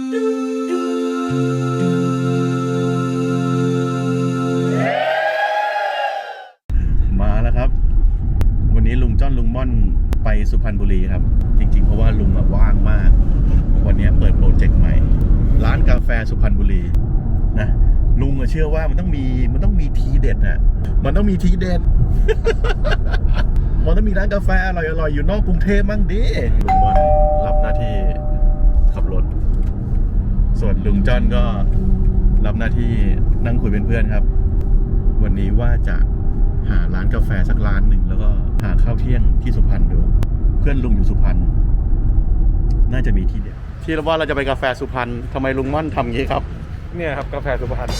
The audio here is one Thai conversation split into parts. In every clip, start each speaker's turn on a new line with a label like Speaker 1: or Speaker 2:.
Speaker 1: มาแล้วครับวันนี้ลุงจ้อนลุงม่อนไปสุพรรณบุรีครับจริงๆเพราะว่าลุงว่างมากวันนี้เปิดโปรเจกต์ใหม่ร้านกาแฟสุพรรณบุรีนะลุงเชื่อว่ามันต้องมีทีเด็ดน่ะมันต้องมีทีเด็ด มันต้องมีร้านกาแฟอร่อยๆอยู่นอกกรุงเทพมั่งดิลุงม่อนรับหน้าที่ขับรถส่วนลุงจ้อนก็รับหน้าที่นั่งคุยเป็นเพื่อนครับวันนี้ว่าจะหาร้านกาแฟสักร้านหนึ่งแล้วก็หาข้าวเที่ยงที่สุพรรณดูเพื่อนลุงอยู่สุพรรณน่าจะมีที่เด็ดที่เราว่าเราจะไปกาแฟสุพรรณทำไมลุงม่อนทำงี้ครับ
Speaker 2: เนี่ยครับกาแฟสุพรรณ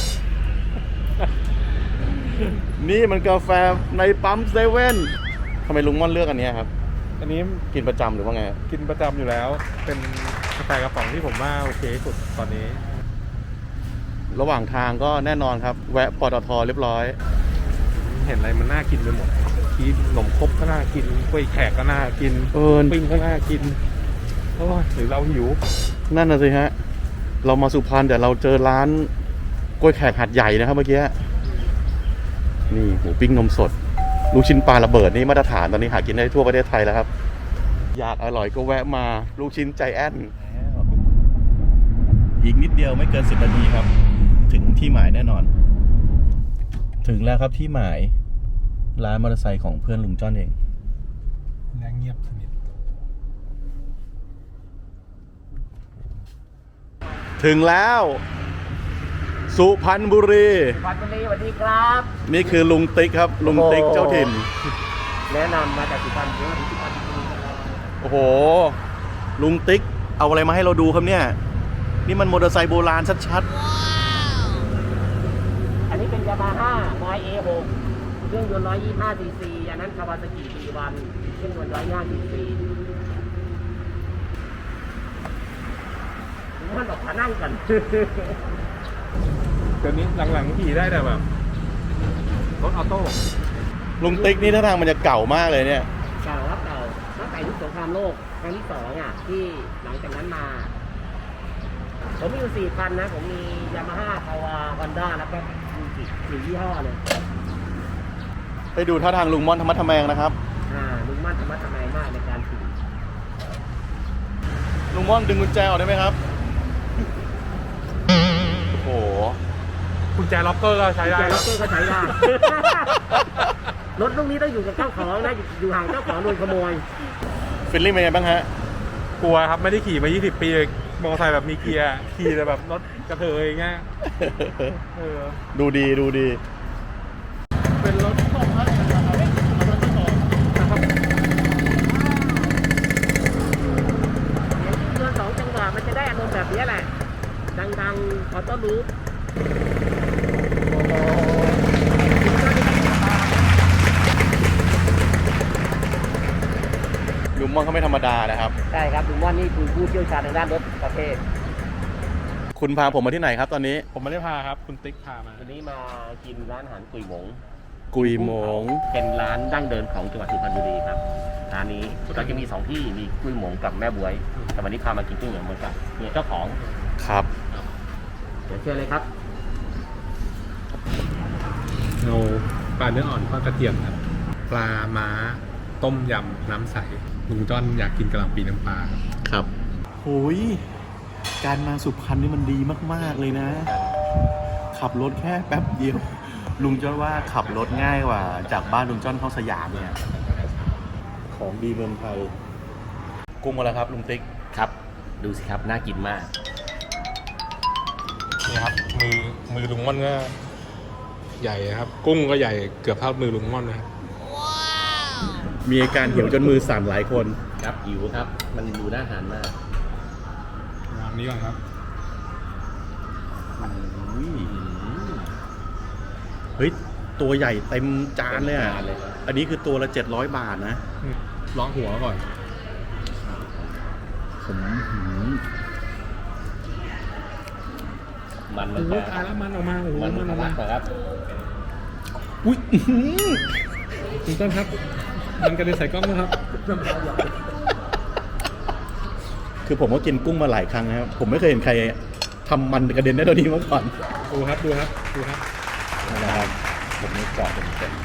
Speaker 1: นี่มันกาแฟในปั๊มเซเว่นทำไมลุงม่อนเลือกอันนี้ครับ
Speaker 2: อันนี้
Speaker 1: กินประจำหรือว่าไง
Speaker 2: กินประจำอยู่แล้วเป็นกาแฟกระป๋องที่ผมว่าโอเคสุดตอนนี้
Speaker 1: ระหว่างทางก็แน่นอนครับแวะปตทเรียบร้อย
Speaker 2: เห็นอะไรมันน่ากินไปหมดที่ขนมครกก็น่ากินกล้วยแขกก็น่ากินปิ้งก็น่ากินหรือเราหิว
Speaker 1: นั่นน่ะสิฮะเรามาสุพรรณแต่เราเจอร้านกล้วยแขกหัดใหญ่นะครับเมื่อกี้นี่หมูปิ้งนมสดลูกชิ้นปลาระเบิดนี่มาตรฐานตอนนี้หากินได้ทั่วประเทศไทยแล้วครับอยากอร่อยก็แวะมาลูกชิ้นใจแอนอีกนิดเดียวไม่เกิน10 นาทีครับถึงที่หมายแน่นอนถึงแล้วครับที่หมายร้านมอเตอร์ไซค์ของเพื่อนลุงจ้อนเอง
Speaker 2: และเงียบสนิท
Speaker 1: ถึงแล้วสุพรรณบุรี
Speaker 3: สุพรรณบุรีสวัสดีครับ
Speaker 1: นี่คือลุงติ๊กครับลุงติ๊กเจ้าถิ่น
Speaker 3: แนะนำมาจากสุพรรณบุรี
Speaker 1: โอ้โหลุงติ๊กเอาอะไรมาให้เราดูครับเนี่ยนี่มันมอเตอร์ไซค์โบราณชัด
Speaker 3: ๆอันนี้เป็นยามาฮ่า YA6 เครื่องยนต์125 cc อันนั้นคาวาซากิB1เครื่องยนต์125 cc มันบอกขานั่งกัน
Speaker 2: เดี๋ยวนี้หลังๆขี่ได้แต่แบบรถออโต้
Speaker 1: ลุงติ๊กนี่ท่าทางมันจะเก่ามากเลยเนี่ย
Speaker 3: เก่าครับเก่าตั้งแต่ยุคสงครามโลกครั้งที่2ที่หลังจากนั้นมาผมมีอยู่4 คันนะผมมียามาฮ่าคาวาฮอนด้าแล้วก็ฟูจิ4 ยี่ห้อเลย
Speaker 1: ไปดูท่าทางลุงม่อนธรรมะทแมงนะครับ
Speaker 3: ลุงม่อนธรรมะทแมงมากในการขี่
Speaker 1: ลุงม่อนดึงกุญแจออกได้ไหมครับโอ้โห
Speaker 2: กุญแจล็อกเกอร์ก็ใช้ได้
Speaker 3: ล็อกเกอร์ก็ใช้ได้รถลูกนี้ต้องอยู่กับเจ้าของนะอยู่ห่างเจ้าของโดนขโมย
Speaker 1: ฟีลลิ่งเป็นไงบ้างฮะ
Speaker 2: กลัวครับไม่ได้ขี่มา20 ปีมอเตอร์ไซค์แบบมีเกียร์ขี่แต่แบบรถกระเทยเงี้ย
Speaker 1: ดูดี
Speaker 2: เป็นรถของเขาเ
Speaker 3: สียง2 จังหวะมันจะได้อารมณ์แบบนี้แหละดังๆออโต้ลูป
Speaker 1: ลุงม่อนเขาไม่ธรรมดานะครับ
Speaker 3: ใช่ครับลุงม่อนนี่คือผู้เชี่ยวชาญในด้านรถประเภท
Speaker 1: คุณพาผมมาที่ไหนครับตอนนี้
Speaker 2: ผมไม่ได้พาครับคุณติ๊กพามา
Speaker 3: วันนี้มากินร้านอาหารกุยหมง
Speaker 1: เป็น
Speaker 3: ร้านดั้งเดิมของจังหวัดสุพรรณบุรีครับร้านนี้เราจะมี2 ที่มีกุยหมงกับแม่บวยแต่วันนี้พามากินกุยหมงเหมือนกันมีเจ้าของ
Speaker 1: ครับ
Speaker 3: เดี๋ยวเชิญเลยครับ
Speaker 2: เอาปลาเนื้ออ่อนทอดกระเทียมครับปลาม้าต้มยำน้ำใสลุงจ้อนอยากกินกะหล่ำปีน้ำปลา
Speaker 1: ครับโอ้ยการมาสุพรรณนี่มันดีมากๆเลยนะขับรถแค่แป๊บเดียวลุงจ้อนว่าขับรถง่ายกว่าจากบ้านลุงจ้อนเข้าสยามเนี่ยของดีเมืองไทยกุ้งมาแล้วครับลุงติ๊ก
Speaker 3: ครับดูสิครับน่ากินมาก
Speaker 2: นี่ครับมือลุงม่อนก็ใหญ่ครับกุ้งก็ใหญ่เกือบเท่ามือลุงม่อนนะครับ
Speaker 1: มีอาการหิวจนมือสั่นหลายคน
Speaker 3: ครับหิวครับมันดูน่าทานมาก
Speaker 2: วางนี้ก่อนครับ
Speaker 1: เฮ้ยตัวใหญ่เต็มจานเลยอ่ะอันนี้คือตัวละ700 บาทนะ
Speaker 2: ล้องหัวก่อน
Speaker 3: มัน
Speaker 2: ตายแล้วมันออกมาโอ้โห
Speaker 3: มันออกมาครับ
Speaker 1: อุ้ย
Speaker 2: คุณต้นครับมันกระเด็นใส่กล้องนะครับ
Speaker 1: คือผมก็กินกุ้งมาหลายครั้งนะครับผมไม่เคยเห็นใครทำมันกระเด็นได้เท่านี้มาก่อน
Speaker 2: ดูครับดูครับดูครับ
Speaker 1: นะครับผมนี่เจาะเต็ม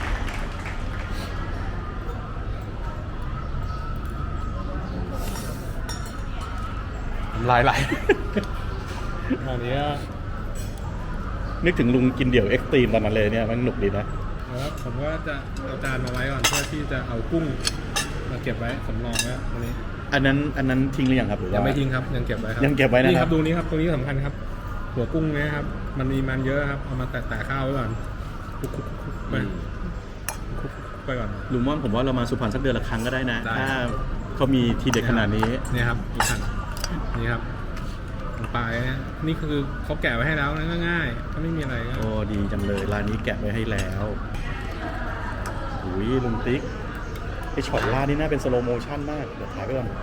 Speaker 2: ลายไหลอันนี้
Speaker 1: ๆนึกถึงลุงกินเดี่ยวเอ็กซ์ตรีมตอนนั้นเลยเนี่ยมันหนุกดีนะ
Speaker 2: แล้วผมก็จะเอาจานมาไว้ก่อนเพื่อที่จะเอากุ้งมาเก็บไว้สำรองไว้ตรงนี้
Speaker 1: อันนั้นทิ้งหรือยังครับหรือว่า
Speaker 2: ยังไม่ทิ้งครับยังเก็บไว้ครับ
Speaker 1: ยังเก็บไว้นะครับ
Speaker 2: นี่ครับตรงนี้ครับตรงนี้สำคัญครับ หัวกุ้งเนี้ยครับมันมีมันเยอะครับเอามาแตะข้าวไว้ก่อนคลุกๆไปคลุกไปก่อน
Speaker 1: ลุงม่อนผมว่าเรามาสุพรรณสักเดือนละครั้งก็ได้นะ
Speaker 2: ได้
Speaker 1: ถ้าเขามีทีเด็ดขนาดนี้
Speaker 2: เนี่ยครับอีกขั้นนี่ครับลงไปเนี่ยนี่คือเขาแกะไว้ให้แล้วนะง่ายๆก็ไม่มีอะไรก็
Speaker 1: โอ้ดีจังเลยร้านนี้แกะไว้ให้แล้วอุ้ยลุงติ๊กไอช็อตล่าดนี่น่าเป็นสโลโมชั่นมากเดี๋ยวถ่ายไปก่อน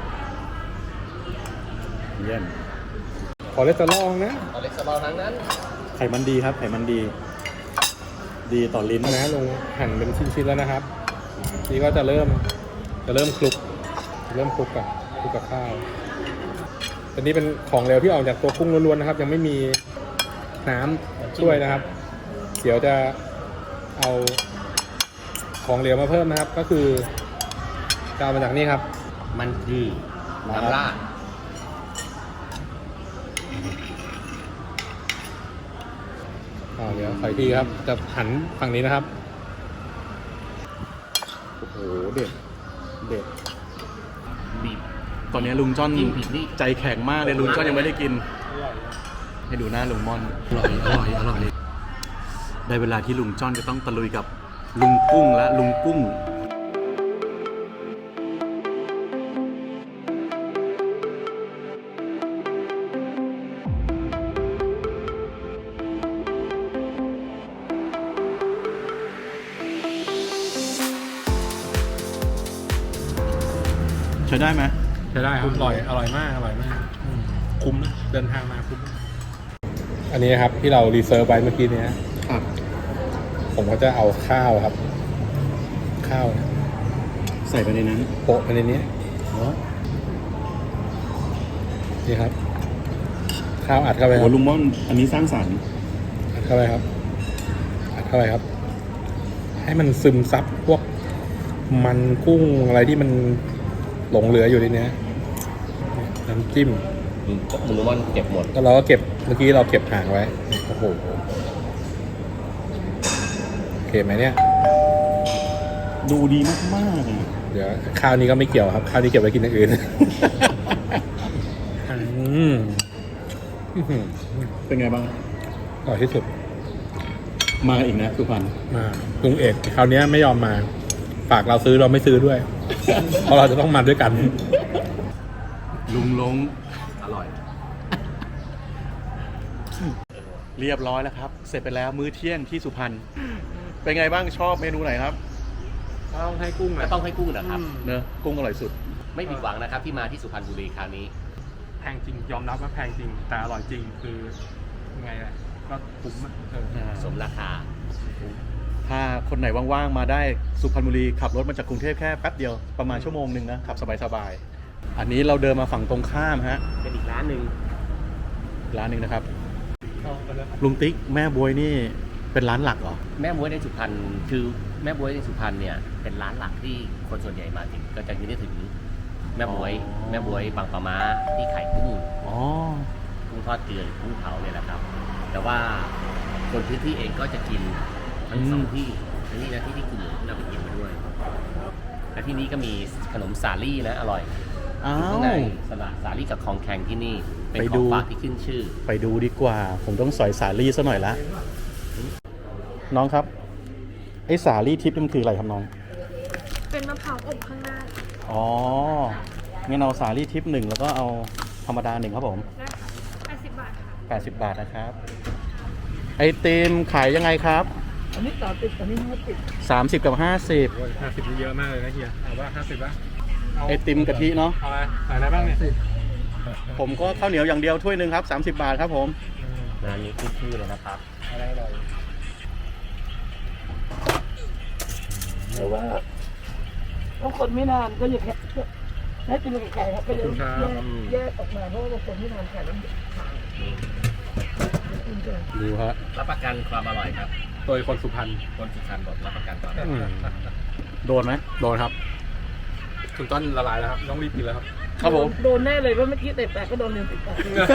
Speaker 1: เยี่ยม
Speaker 2: ขอเลสเตอรอลนะ
Speaker 3: เอาเล็กสบอลทั้งนั้น
Speaker 1: ไขมันดีครับไขมันดี ดีต่อลิ้น
Speaker 2: นะลงหั่นเป็นชิ้นๆแล้วนะครับนี่ก็จะเริ่มคลุกกับข้าวอันนี้เป็นของเหลวที่ออกจากตัวกุ้งล้วนๆนะครับ ยังไม่มีน้ำช่วยนะครับ เดี๋ยวจะเอาของเหลวมาเพิ่มนะครับ ก็คือจะเอามาจากนี่ครับ
Speaker 3: มันคือน้ำราด
Speaker 2: เดี๋ยวใส่ทีครับ จะหันฝั่งนี้นะครับ
Speaker 1: โอ้โหเด็ดเด็ด
Speaker 3: บีบ
Speaker 1: ตอนนี้ลุงจ้อน
Speaker 3: จิ้มผิดนี่
Speaker 1: ใจแข็งมากเลยลุงจ้อนยังไม่ได้กิน ให้ดูหน้าลุงม่อน
Speaker 3: อร่อย
Speaker 1: ได้เวลาที่ลุงจ้อนจะต้องตะลุยกับลุงกุ้งและลุงกุ้งใช้ได้ไหม
Speaker 2: ใช้ได้ครับอร่อยมากคุ้มนะเดินทางมาคุ้มอันนี้ครับที่เรารีเซิร์ฟไว้เมื่อกี้เนี้ย
Speaker 1: ครับ
Speaker 2: ผมก็จะเอาข้าวครับ ข้าว
Speaker 1: ใส่ไปในนั้น
Speaker 2: โปะไปในนี้
Speaker 1: เหรอ
Speaker 2: นี่ครับ ข้าวอัดเข้าไปค
Speaker 1: โอ้
Speaker 2: รับ
Speaker 1: ลุงม่อนอันนี้สร้างสรรค์
Speaker 2: อัดเข้าไปครับ อัดเข้าไปครับ ให้มันซึมซับพวกมันกุ้งอะไรที่มันหลงเหลืออยู่ในนี้น้ำจิ้ม
Speaker 3: มึงรู้ว่าเก็บหมด
Speaker 2: แล้วเราก็เก็บเมื่อกี้เราเก็บห่างไว้โอ้โหโอเคไหมเนี่ย
Speaker 1: ดูดีมากๆเลย
Speaker 2: เดี๋ยวข้าวนี้ก็ไม่เกี่ยวครับ ข้าวนี้เก็บไว้กินอย่างอื่น
Speaker 1: เป็นไงบ้าง
Speaker 2: อร่อยที่สุด
Speaker 1: มาอีกนะสุพรรณ
Speaker 2: มาลุงเอกคราวนี้ไม่ยอมมา ฝากเราซื้อเราไม่ซื้อด้วย เพราะเราจะต้องมาด้วยกัน
Speaker 1: ลุงลง
Speaker 3: อร่อย
Speaker 1: เรียบร้อยแล้วครับ เสร็จไปแล้วมื้อเที่ยงที่สุพรรณเป็นไงบ้างชอบเมนูไหนครับ
Speaker 2: ต้องให้กุ้ง
Speaker 3: ก็ต้องให้กุ้งนะครับ
Speaker 1: เนอะกุ้งอร่อยสุด
Speaker 3: ไม่ผิดหวังนะครับที่มาที่สุพรรณบุรีคราวนี้
Speaker 2: แพงจริงยอมรับว่าแพงจริง แต่อร่อยจริงคือยังไงล่ะก็คุ้มอะ
Speaker 3: สมราคา
Speaker 1: ถ้าคนไหนว่างๆมาได้สุพรรณบุรีขับรถมาจากกรุงเทพแค่แป๊บเดียวประมาณชั่วโมงหนึ่งนะขับสบายๆอันนี้เราเดินมาฝั่งตรงข้ามฮะ
Speaker 3: เป็นอีกร้านหนึ่ง
Speaker 1: ร้านหนึ่งนะครับลุงติ๊กแม่บวยนี่เป็นร้านหลักเหรอ
Speaker 3: แม่บ๊วยในสุพรรณคือแม่บ๊วยในสุพรรณเนี่ยเป็นร้านหลักที่คนส่วนใหญ่มาถึงก็จะนึกถึงแม่บ๊วยแม่บ๊วยบางปะมาที่ขายกุ้ง
Speaker 1: อ๋อ
Speaker 3: กุ้งทอดเกลือหรือกุ้งเผาเนี่ยแหละครับ แต่ว่าคนพื้นที่เองก็จะกินทั้งสองที่ทั้งนี้นะที่คุณหลวงที่เราไปกินมาด้วย และที่นี่ก็มีขนมสาลี่นะอร่อย
Speaker 1: อ้า
Speaker 3: ข้างใน
Speaker 1: ว
Speaker 3: สาลี่กับของแข็งที่นี่เป็น
Speaker 1: ไป
Speaker 3: ข
Speaker 1: ดู
Speaker 3: องฝากที่ขึ้นชื่อ
Speaker 1: ไปดูดีกว่า ผมต้องสอยสาลี่ซะหน่อยละน้องครับไอ้สาลี่ทิพย์นี่มันคืออะไรครับน้อง
Speaker 4: เป็นมะพร้าวอบข้างหน้า
Speaker 1: อ๋องั้นเอาสาลี่ทิพย์หนึ่งแล้วก็เอาธรรมดาหนึ่งครับผม
Speaker 4: ได้ค่ะ80 บาทค่ะ
Speaker 1: 80 บาทนะครับ ไอติมขายยังไงครับ
Speaker 4: อันนี้30อันนี้50
Speaker 1: 30 กับ
Speaker 2: โอ้ย50นี่เยอะมากเลยนะเฮียเอาว่า50ป่ะ
Speaker 1: 50 ไอติมกะทิเนาะ
Speaker 2: เอาอะไรใส่อะไรบ้างเนี่ย
Speaker 1: ผมก็ข้าวเหนียวอย่างเดียวถ้วยหนึ่งครับ30 บาทครับผม
Speaker 3: ร้านนี้ขึ้นชื่อเลยนะครับ
Speaker 2: อะไรอร่อย
Speaker 4: แต่ว่าบางคนไม่นานก็จะ
Speaker 3: ให้กินกับไก่ครับก็เลย
Speaker 2: ขอบคุณครับ
Speaker 3: แยกออกมาเพราะว่าบางคนที่ทานไก่แล้วมันขาวกินกัน
Speaker 2: ดูฮะ
Speaker 3: รับประกันความอร่อยครับ
Speaker 2: โดยคนสุพรรณ
Speaker 3: คนสุพรรณบอกรับประกันความ
Speaker 1: โดนไหม
Speaker 2: โดนครับถึงต้นละลายแล้วครับต้องรีบกินแล้วครับ
Speaker 1: ครับผม
Speaker 3: โดนแน่เลยว่าเมื่อกี้เตะแปะก็โดนเรียนติดปาก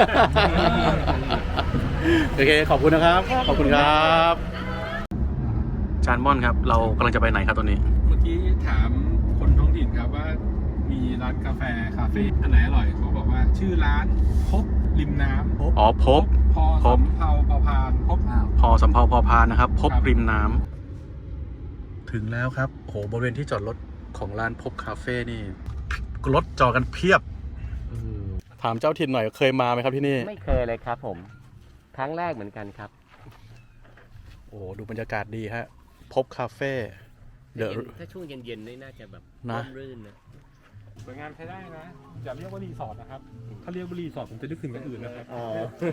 Speaker 1: โอเค ขอบคุณนะครับ ขอบคุณครับจานม่อนครับ เรากำลังจะไปไหนครับตอนนี้
Speaker 2: เมื่อกี้ถามคนท้องถิ่นครับว่ามีร้านกาแฟคาเฟ่อันไหนอร่อยเขาบอกว่าชื่อร้านพบริมน้ำ
Speaker 1: อ๋อพบ
Speaker 2: พอสำเภาพอพานพบ
Speaker 1: พอสำเภาพอพานนะครับ พบ
Speaker 2: ครับ
Speaker 1: ริมน้ำถึงแล้วครับโหบริเวณที่จอดรถของร้านพบคาเฟ่นี่รถจอดกันเพียบถามเจ้าถิ่นหน่อยเคยมาไหมครับที่นี่
Speaker 3: ไม่เคยเลยครับผมครั้งแรกเหมือนกันครับ
Speaker 1: โอ้ดูบรรยากาศดีฮะพบคาเฟ่เดอะ
Speaker 3: ถ้าช่วงเย็นๆนี่น่าจะแบบ
Speaker 1: นะ
Speaker 3: ร่มรื่นนะ
Speaker 2: สวยงามใช้ได้นะอย่าเรียกว่ารีสอร์ทนะครับถ้าเรียกว่ารีสอร์ทผมจะนึกถึงอย่างอื่นนะครับ
Speaker 3: อ๋อ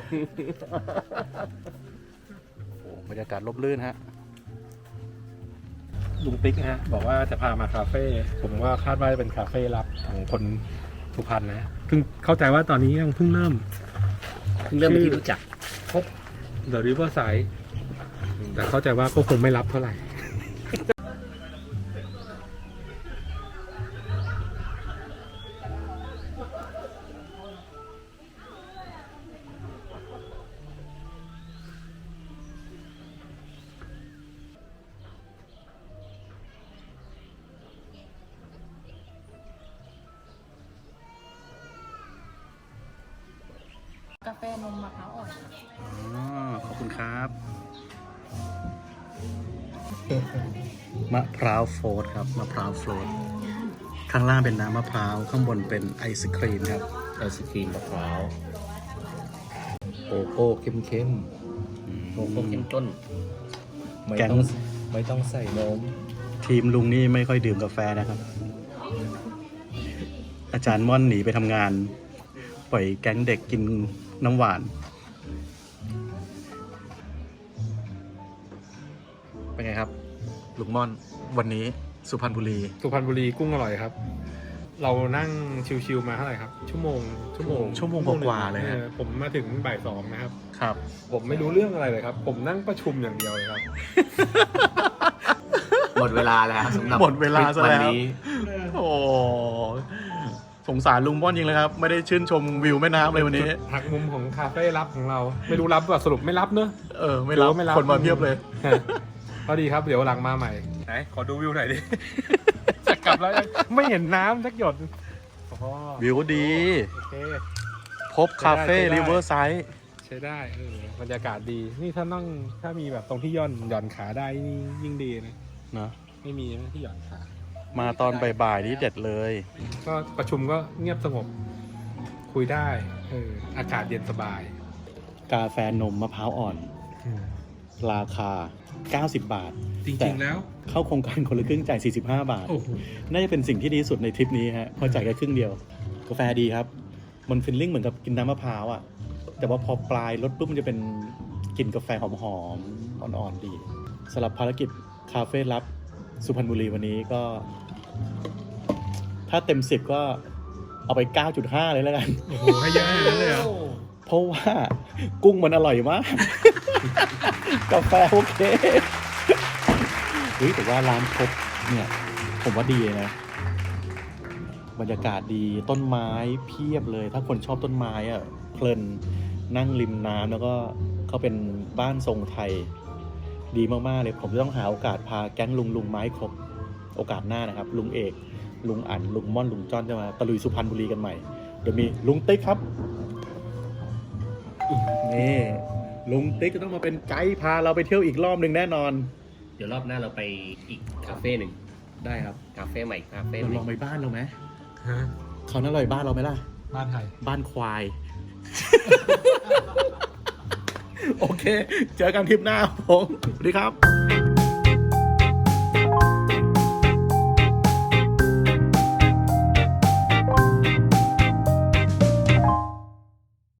Speaker 1: โอ้บรรยากาศร่มรื่นฮะ
Speaker 2: ลุงติ๊กนะฮะบอกว่าจะพามาคาเฟ่ผมว่าคาดว่าจะเป็นคาเฟ่ลับของคนสุพรรณนะซึ่งเข้าใจว่าตอนนี้ยังเพิ่งเริ่ม
Speaker 3: เริ่มเป็นที่รู้จัก
Speaker 2: พบ The Riverside แต่เข้าใจว่าก็คงไม่รับเท่าไหร่
Speaker 4: กาแฟนมมะพร้าวอ่อน
Speaker 1: อ๋อขอบคุณครับมะพร้าวโฟลตครับมะพร้าวโฟลตข้างล่างเป็นน้ำมะพร้าวข้างบนเป็นไอศครีมครับ
Speaker 3: ไอศครีมมะพร้าว
Speaker 5: โกโก้เข้ม
Speaker 3: โกโก้เข้มข้น
Speaker 5: ๆไม่
Speaker 1: แกง
Speaker 5: ต้องใส่นม
Speaker 1: ทีมลุงนี่ไม่ค่อยดื่มกาแฟนะครับ อาจารย์ม่อนหนีไปทำงาน ปล่อยแก๊งเด็กกินน้ำหวาน เป็นไงครับ ลุงม่อนวันนี้สุพรรณบุรี
Speaker 2: สุพรรณบุรีกุ้งอร่อยครับ เรานั่งชิวๆมาเท่าไหร่ครับ ชั่วโมง
Speaker 1: กว่าๆเลยฮะ
Speaker 2: ผมมาถึงบ่ายสองนะครับ
Speaker 1: ครับ
Speaker 2: ผมไม่รู้เรื่องอะไรเลยครับ ผมนั่งประชุมอย่างเดียวเลยครับ
Speaker 5: หมดเวลาแล้วสำหรับ
Speaker 1: หมดเวลาซะแล้ว
Speaker 5: วันนี้
Speaker 1: โอ้สงสารลุงม่อนจริงเลยครับ ไม่ได้ชื่นชมวิวแม่น้ำเลยวันนี้
Speaker 2: หักมุมของคาเฟ่ลับของเรา ไม่รู้รับว่าสรุปไม่รับเนอะ
Speaker 1: ไม่รับ
Speaker 2: หรือว่าไม่รับ
Speaker 1: คนมาเพียบเลย
Speaker 2: พอดีครับ เดี๋ยวหลังมาใหม่ ไหน ขอดูวิวหน่อยดิ จะกลับแล้วยังไม่เห็นน้ำสักหยดอ๋อ
Speaker 1: วิวดี
Speaker 2: โอเค
Speaker 1: พบคาเฟ่
Speaker 2: ใช้ได้
Speaker 1: ริเวอร์ไซด์
Speaker 2: ใช้ได้บรรยากาศดี นี่ถ้ามีแบบตรงที่หย่อนขาได้นี่ยิ่งดีนะ
Speaker 1: นะ
Speaker 2: ไม่มีนะที่หย่อนขา
Speaker 1: มาตอนบ่ายๆนี่เด็ดเลย
Speaker 2: ก็ประชุมก็เงียบสงบ คุยได้อากาศเย็นสบาย
Speaker 1: กาแฟนมมะพร้าวอ่อน ราคา 90 บาท
Speaker 2: จ
Speaker 1: แต่
Speaker 2: ริงๆแล้ว
Speaker 1: เข้าโครงการคนละครึ่งจ่าย 45 บาท
Speaker 2: โอ้โห
Speaker 1: น่าจะเป็นสิ่งที่ดีที่สุดในทริปนี้ฮะเพราะจ่ายแค่ครึ่งเดียว กาแฟดีครับ มันฟิลลิ่งเหมือนกับกินน้ำมะพร้าวอ่ะ แต่ว่าพอปลายรสปุ๊บมันจะเป็นกลิ่นกาแฟหอมๆ อ่อนๆ ดีสำหรับภารกิจคาเฟ่ลับสุพรรณบุรีวันนี้ก็ ถ้าเต็ม 10 ก็เอาไป 9.5 เลยแล้วกัน
Speaker 2: โอ้โหให้เยอะขนาดนั้นเลยเหรอ
Speaker 1: เพราะว่ากุ้งมันอร่อยมาก กาแฟโอเคเฮ้ยแต่ว่าร้านพบเนี่ย ผมว่าดีนะ บรรยากาศดีต้นไม้เพียบเลย ถ้าคนชอบต้นไม้อะเพลินนั่งริมน้ำแล้วก็เขาเป็นบ้านทรงไทย ดีมากๆเลย ผมจะต้องหาโอกาสพาแก๊งลุงไม้ครบโอกาสหน้านะครับ ลุงเอกลุงอั๋นลุงม่อนลุงจ้อนจะมาตะลุยสุพรรณบุรีกันใหม่เดี๋ยวมีลุงติ๊กครับ นี่ลุงติ๊กจะต้องมาเป็นไกด์พาเราไปเที่ยวอีกรอบหนึ่งแน่นอน
Speaker 3: เดี๋ยวรอบหน้าเราไปอีกคาเฟ่หนึ่ง
Speaker 1: ได้ครับ
Speaker 3: คาเฟ่ใหม่คาเฟ่ห
Speaker 1: เรา
Speaker 3: นึ่
Speaker 1: ลอง
Speaker 3: ง
Speaker 1: ไปบ้านเราไหม
Speaker 2: ฮะ
Speaker 1: เขาน่าอร่อยบ้านเราไหมล่ะ
Speaker 2: บ้านไทย
Speaker 1: บ้านควาย โอเค เจอกันทริปหน้าครับผมสวัสดีครับ